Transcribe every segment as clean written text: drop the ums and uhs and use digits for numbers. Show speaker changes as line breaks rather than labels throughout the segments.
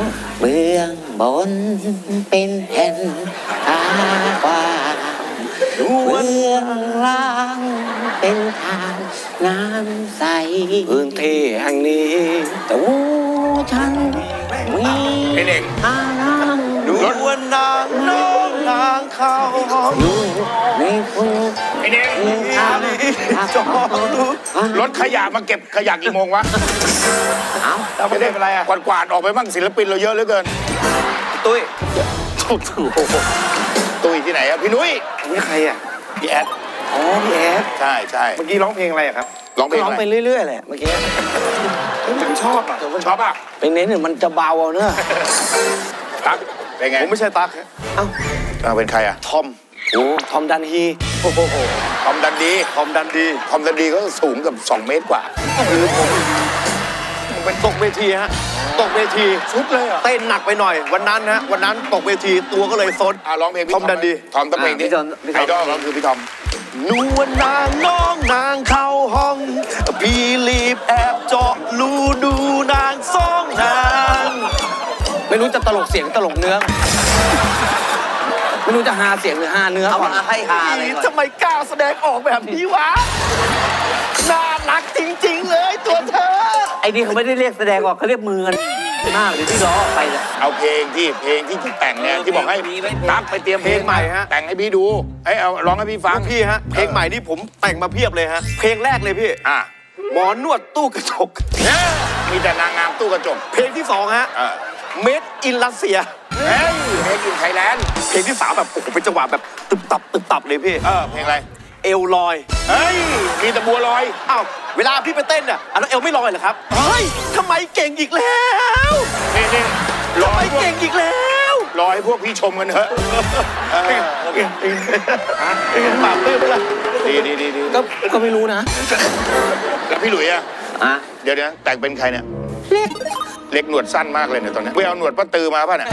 เบื้องบนเป็นแผ่นตากว้างเบื้องล่างเป็นทางน้ำใสพื้นที่แห่งนี้ตัวฉันมีทาง
ดูวันนางน้องนางเขา
อยู่ในฝุ่น
ไอ้เน่ง
จอดู
รถขยะมาเก็บขยะกี่โมงวะ
เราไม่ได้เป็นไรอ่ะ
กวาดออกไปบ้างศิลปินเราเยอะเหลือเกิน
ตุ้ย
ตุ้ยที่ไหนอะพี่นุ้ย
นี่ใครอ่ะ
พี่แอด
อ๋อพี่แอด
ใช่ใช่
เมื่อกี้ร้องเพลงอะไรครับ
ร้องเพลง
ร้อง
อะไร
ไปเรื่อยๆแหละเมื่อกี้
ผมชอบอ่ะ
ชอบอ่ะ
ไปเน้นเนี่ยมันจะเบาเอาเนอะ
ตั๊กเป็นไง
ผมไม่ใช่ตั๊ก
เป็นใครอะ
ทอม
โอ้ทอมดันฮี
โอ้โห
ทอมดันดี
ทอมดันดี
ทอมดันดีก็สูงกับ2 เมตรกว่า
ผมเป็นตกเวทีฮะตกเวที
ชุดเลยอ่ะ
เต้นหนักไปหน่อยวันนั้นฮะวันนั้นตกเวทีตัวก็เลยซด
ร้องเพลงพี่
ทอมดันดี
ทอมต้องเพลงนี้ไอดอลก็คือพี่ทอม
นวลนางน้องนางเข้าห้องพี่รีบแอบเจาะรูดูนางสองนาง
ไม่รู้จะตลกเสียงตลกเนื้อไม่รู้จะหาเสียงหรือหาเนื้อก่อนให้หาเลย
ทำไมกล้าแสดงออกแบบนี้วะน่ารักจริงๆเลยตัวเธอ
ไอ้นี่เขาไม่ได้เรียกแสดงออกเขาเรียกมือกันมากหรือที่ล้อออกไปเลย
เอาเพลงที่แต่งเนี่ยที่บอกให้ตั๊กไปเตรียมเพลง
เพลงใหม่ฮะ
แต่งให้พี่ดูเอาร้องให้พี่ฟัง
พี่ฮะเพลงใหม่นี่ผมแต่งมาเพียบเลยฮะเพลงแรกเลยพี่
อ่ะ
หมอนวดตู้กระจก
เนี่ยมีแต่นางงามตู้กระจก
เพลงที่สองฮะเมดอินรัสเซีย
เฮ้ยเพลงอินไทยแลนด์
เพลงที่สามแบบโอ้โหเป็นจังหวะแบบตึบตับเลยพี่
เพลงอะไร
เอวลอย
เฮ้ยมีแต่บัวลอย
อ้าวเวลาพี่ไปเต้นอ่ะอันนั้นเอวไม่ลอยเหรอครับเฮ้ยทำไมเก่งอีกแล้ว
นี่ล
ทำ
อ
ไม
ยพวก
เก่งอีกแล้ว
รอให้พวกพี่ชมกันเถอะ
ปากเปื้อนเลย
ดี
ก็ไม่รู้นะ
แล้วพี่หลุยอะ
อ่ะ
เดี๋ยวนะแต่งเป็นใครเนี่ยเล็กหนวดสั้นมากเลยเนี่ยตอนนี้ไปเอาหนวดป้าตือมาป่ะเนี่ย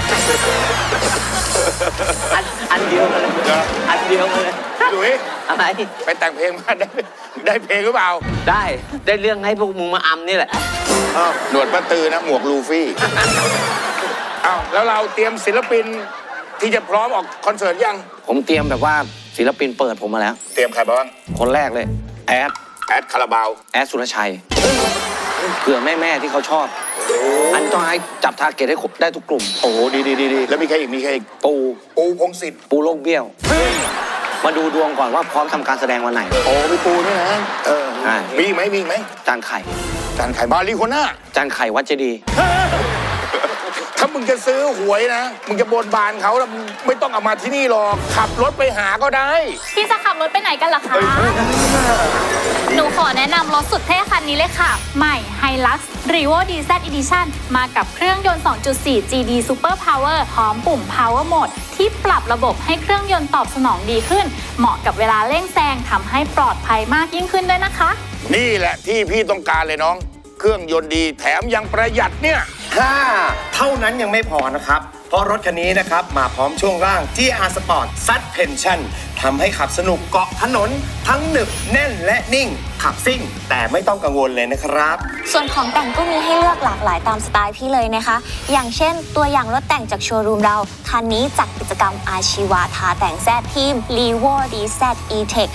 อันเดียวกันเลย
เหรอ
อันเดียวกันเลย
พี่หลุย
อะไร
ไปแต่งเพลงมาได้เพลงหรือเปล่า
ได้เรื่องให้พวกมึงมาอำนี่แหละ
หนวดป้าตือนะหมวกลูฟี่อ้าวแล้วเราเตรียมศิลปินที่จะพร้อมออกคอนเสิร์ตยัง
ผมเตรียมแบบว่าศิลปินเปิดผมมาแล้ว
เตรียมใครบ้าง
คนแรกเลย แอด
คาราบาว
สุรชัยเผื่อแม่ที่เขาชอบ อันต้องให้จับทาร์เก็ตให้ได้ทุกกลุ่ม
โอ้โหดีแล้วมีใครอีกปูพงศิษฐ์
ปูโลกเบี้ยว มาดูดวงก่อนว่าพร้อมทำการแสดงวันไหน
โอ้มีปูด้วยนะ
ใช่
มีอีกไหม
จานไข่
จานไข่มารีโคน่า
จานไข่วัดเจดีย์
ถ้ามึงจะซื้อหวยนะมึงจะบนบานเขาแล้วมึงไม่ต้องเอามาที่นี่หรอกขับรถไปหาก็ได้
พี่จะขับรถไปไหนกันล่ะคะ หนูขอแนะนำรถสุดเท่คันนี้เลยค่ะ ใหม่ Hilux Revo DZ Edition มากับเครื่องยนต์ 2.4 GD Super Power พร้อมปุ่ม Power Mode ที่ปรับระบบให้เครื่องยนต์ตอบสนองดีขึ้น เหมาะกับเวลาเร่งแซงทำให้ปลอดภัยมากยิ่งขึ้นด้วยนะคะ
นี่แหละที่พี่ต้องการเลยน้อง เครื่องยนต์ดีแถมยังประหยัดเนี่ย
เท่านั้นยังไม่พอนะครับ เพราะรถคันนี้นะครับมาพร้อมช่วงล่าง GR Sport Suspension ทำให้ขับสนุกเกาะถนน ทั้งหนึบแน่นและนิ่ง ขับซิ่ง แต่ไม่ต้องกังวลเลยนะครับ
ส่วนของแต่งก็มีให้เลือกหลากหลายตามสไตล์พี่เลยนะคะ อย่างเช่นตัวอย่างรถแต่งจากโชว์รูมเรา คันนี้จากกิจกรรมอาชีวะทาแต่งแซดทีม Levo DZ E-Tech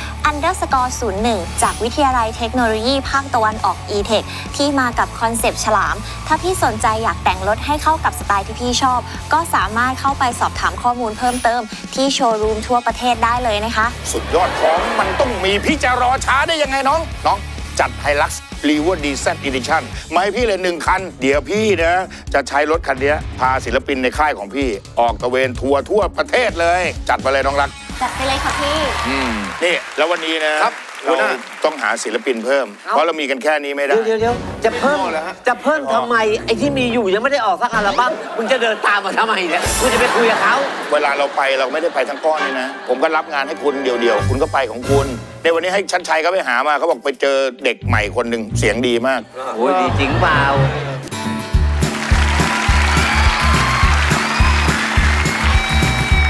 _01 จากวิทยาลัยเทคโนโลยีภาคตะวันออก E-Tech ที่มากับคอนเซปต์ฉลาม ถ้าพี่สนใจอยากแต่งรถให้เข้ากับสไตล์ที่พี่ชอบ ก็สามารถเข้าไปสอบถามข้อมูลเพิ่มเติมที่โชว์รูมทั่วประเทศได้เลยนะคะ
สุดยอดของมันต้องมีพี่จะรอช้าได้ยังไงน้องจัด Hilux Revo DZ Edition มาให้พี่เลย1 คัน เดี๋ยวพี่นะจะใช้รถคันนี้พาศิลปินในค่ายของพี่ ออกตระเวนทัวร์ทั่วประเทศเลย จัดไปเลยน้องรัก
จัดไปเลยค่ะพี่
นี่แล้ววันนี้นะครับ เราต้องหาศิลปินเพิ่ม เพราะเรามีกันแค่นี้ไม่ได้
เดี๋ยวจะเพิ่มทำไมไอ้ที่มีอยู่ยังไม่ได้ออกสักอัลบั้มมึงจะเดินตามมาทำไมเนี่ยมึงจะไปคุยกับเขา
เวลาเราไปเราไม่ได้ไปทั้งก้อนนี่นะ ผมก็รับงานให้คุณเดียวๆคุณก็ไปของคุณในวันนี้ให้ชันชัยเขาไปหามาเขาบอกไปเจอเด็กใหม่คนหนึ่งเสียงดีมาก
โอ้ยดีจริงเปล่า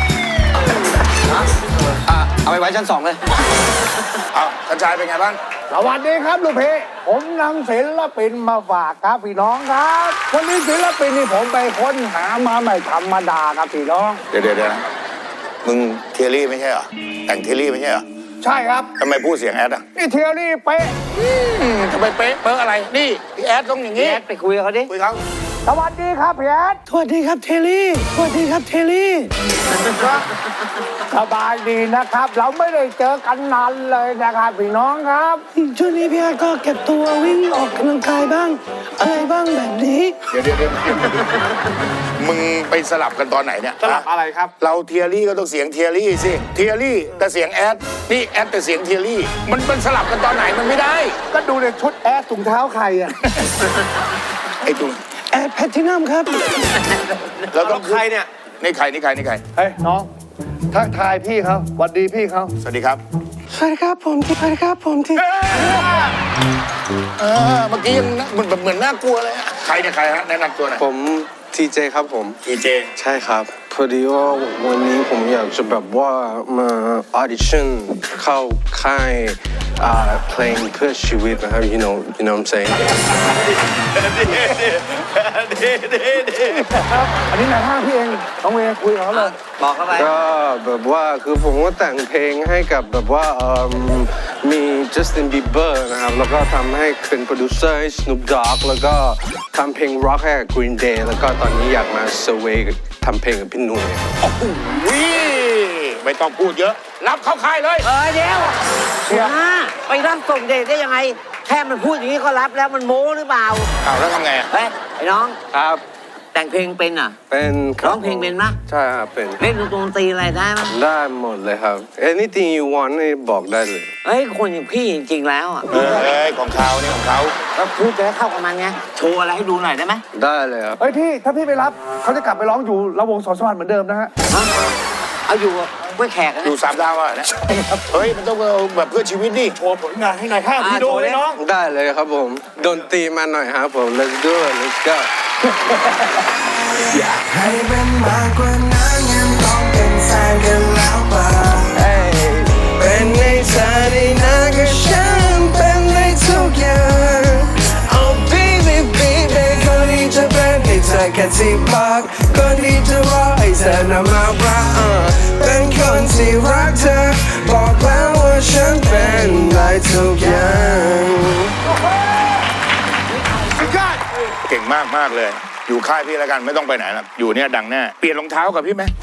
เอาไปไว้ชั้น 2เลย
เอาชันชัยเป็นไงบ้าง
สวัสดีครับลูกเพผมนำศิลปินมาฝากครับพี่น้องครับวันนี้ศิลปินนี่ผมไปค้นหามาไม่ธรรมดาครับพี่น้อง
เดี๋ยวนะมึงเทียรี่ไม่ใช่เหรอแต่งเทียรี่ไม่ใช่เหรอ
ใช่ครับ
ทำไมพูดเสียงแอดอ่ะ
นี่เทียรี่เป๊ะ
ทำไมเป๊ะเป๊ะอะไรนี่พี่แอดต้องอย่างนี้
แอดไปคุยกับเขาดิ
คุยเขา
สวัสดีครับพี่แอด
สวัสดีครับเทลลี่ สวัสดีครับเทลลี่
สบายดีนะครับ เราไม่ได้เจอกันนานเลยนะครับพี่น้องครับ
ช่วงนี้พี่อาร์ตก็เก็บตัววิ่งออกกำลังกายบ้าง อะไรบ้างแบบนี้
เดี๋ยวมึงไปสลับกันตอนไหนเนี่ย
สลับอะไรครับ
เราเทียรี่ก็ต้องเสียงเทียรี่สิเทียรี่แต่เสียงแอดนี่แอดแต่เสียงเทียรี่มันสลับกันตอนไหนมันไม่ได้
ก็ดูในชุดแอดถุงเท้าใครอ่ะ
ไอ้ตุง
แอดแพลทินัมครับ
เราต้อง
ใครเนี่ย
นี่ใคร
เฮ้ยน้องทักทายพี่เขาสวัสดีพี่เขา
สวัสดีครับ
สวัสดีครับผมที่สวัสดีครับผมที่
เมื่อกี้ยังเหมือนน่ากลัวเลยอะใครเนี่ยใครฮะแนะนำตัวหน่อย
ผมทีเจครับผม
ทีเจ
ใช่ครับ พอดีว่าวันนี้ผมอยากจะแบบว่ามาออดิชั่นเข้าค่ายเพลงเพื่อชีวิตนะครับ you know what I'm saying
อันนี้นายห้างพี่เองน้องเวย์คุยกับเขาเลย
บอกเขาไป
ก็แบบว่าคือผมก็แต่งเพลงให้กับแบบว่ามี Justin Bieber นะครับ แล้วก็ทำให้เป็นโปรดิวเซอร์ให้ Snoop Dogg แล้วก็ทำเพลง Rock ให้กับ Green Day แล้วก็ตอนนี้อยากมาเซอร์เวย์ทำเพลงกับพี่หนุ่ย
วิไม่ต้องพูดเยอะ รับเข้าค่ายเลย
เดี๋ยวไปรับส่งเดทได้ยังไง แค่มันพูดอย่างนี้ก็รับแล้วมันโม้หรือเปล่า
เอาแล้วทำไงอะ
เฮ้ยไอ้น้อง
ครับ
แต่งเพลงเป็นอ่ะ
เป็นคบ
ร้องเพลงเป็นปะ
ใช่ครับเป็น
เล่นดนตรีอะไรได้ปะ
ได้หมดเลยครับ anything you want นี่บอกได้เลย
เฮ้ยคนอย่างพี่จริงๆแล้วอ่ะ
เอ้ยของเขาเนี่ยของเขา
แล้วพูดจะได้เข้ากับมันไงโชว์อะไรให้ดูหน่อยได้ไหม
ได้เลยครับ
เฮ้ยพี่ถ้าพี่ไปรับเขาจะกลับไปร้องอยู่ระวงสอนสวรรค์เหมือนเดิมนะฮะ
ฮะเอาอยู่กล้วยแขกนะ
อยู่3 ดาวอ่ะเนี่ยเฮ้ยมันต้องเอาแบบเพื่อชีวิตดิ
โชว์ผลงานให้นายห้างพี่ดูเลยน้อง
ได้เลยครับผมดนตรีมาหน่อยครับผม let's do it let's go
ให้เป็นมากกว่านั้นยังต้องเป็นแฟนกันแล้วป่ะเป็นในเธอในนั้นก็ฉันเป็นในทุกอย่าง Oh baby baby คนที่จะเป็นให้เธอแค่ที่พักคนที่จะรอให้เธอนำมารักเป็นคนที่รักเธอบอกแล้วว่าฉันเป็นได้ทุกอย่าง
เก่งมากเลย อยู่ค่ายพี่แล้วกันไม่ต้องไปไหนแล้วอยู่เนี่ยดังแน่เปลี่ยนรองเท้ากับพี่ไหม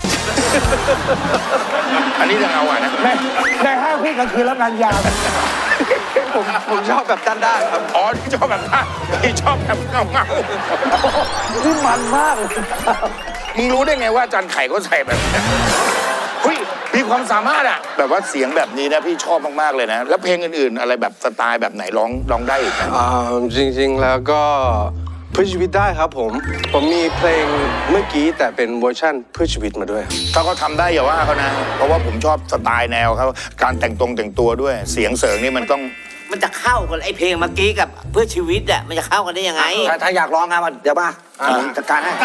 อันนี้จะเอาอ่ะนะ
นายห้างพี่กลางคืนรับงานยาว
ผมชอบแบบด้านๆครับ
อ๋อที่ชอบแบบนั้นที่ชอบแบบเงา
นี่มันมากเลย
ๆมึงรู้ได้ไงว่าอาจันไข่เขาใส่แบบนี้เฮ้ยมีความสามารถอ่ะแบบว่าเสียงแบบนี้นะพี่ชอบมากๆเลยนะแล้วเพลงอื่นๆอะไรแบบสไตล์แบบไหนร้องได้อีกไหม
จริงๆแล้วก็เพื่อชีวิตได้ครับผมมีเพลงเมื่อกี้แต่เป็นเวอร์ชั่นเพื่อชีวิตมาด้วย
ถ้าเขาทำได้อย่าว่าเขานะ เพราะว่าผมชอบสไตล์แนวเขาการแต่งตัวด้วย เสียงเสริงนี่มันต้อง
มันจะเข้ากันไอ้เพลงเมื่อกี้กับเพื่อชีวิตอ่ะมันจะเข้ากันได้ยังไง
ถ้าอยากร้องครับเดี๋ยวมาจัดการให้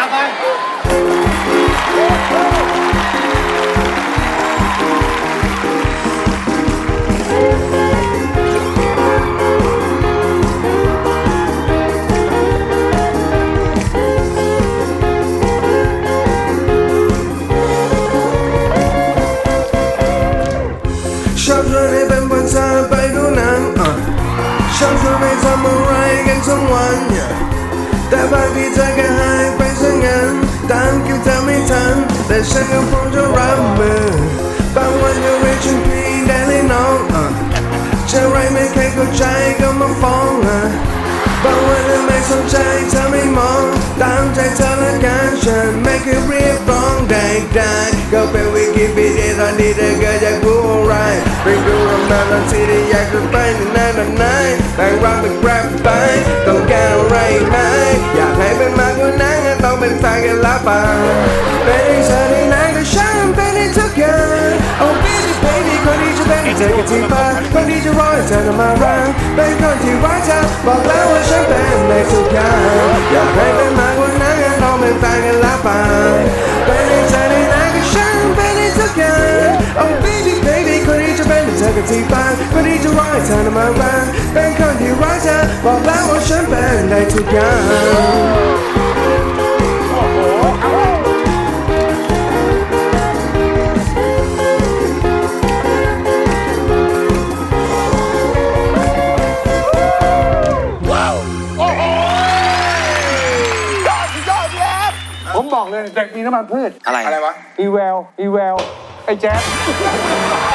ชอบชวนให้เป็นบนเธอไปดูหนังชอบชวนไปทำอะไรกันทั้งวันแต่บางทีเธอก็หายไปซะงั้นตามคิวเธอไม่ทันแต่ฉันก็พร้อมจะรับมือบางวันก็เรียกฉันพี่ได้เลยน้องเชื่อไรไม่เคยเข้าใจก็มาฟ้องบางวันก็ไม่สนใจเธอไม่มองตามใจเธอละกันฉันไม่เคยเรียกร้องใดๆก็เป็นวิกิพีเดียตอนที่เธอเกิดจากผู้อะไรไปดูรำนานตอนที่ได้อยากจะไปนานๆไหนแต่งรำเป็นแรปไปต้องการอะไรไหมอยากให้เป็นมากกว่านั้นต้องเป็นแฟนกันละป่ะเป็นให้เธอในนั้นก็ฉันเป็นให้ทุกอย่าง Oh baby baby คนที่จะเป็นให้เธอกับที่พักคนที่จะรอให้เธอมารักเป็นคนที่รักเธอบอกแล้วว่าฉันเป็นในทุกอย่างอยากให้เป็นมากกว่านั้นต้องเป็นแฟนกันละป่ะเป็นให้เธอในนั้นก็ฉันเป็นให้ทุกอย่าง Oh baby baby คนที่จะเป็นให้เธอกับที่พักคนที่จะรอให้เธออน่ะมารักเป็นคนที่รักเธอบอกแล้วว่าฉันเป็นได้ทุกอย่าง
ผมบอกเลยเด็กมีน้ำมันพืช
อะไร
อะไรวะ
อีแววไอ้แจ๊ด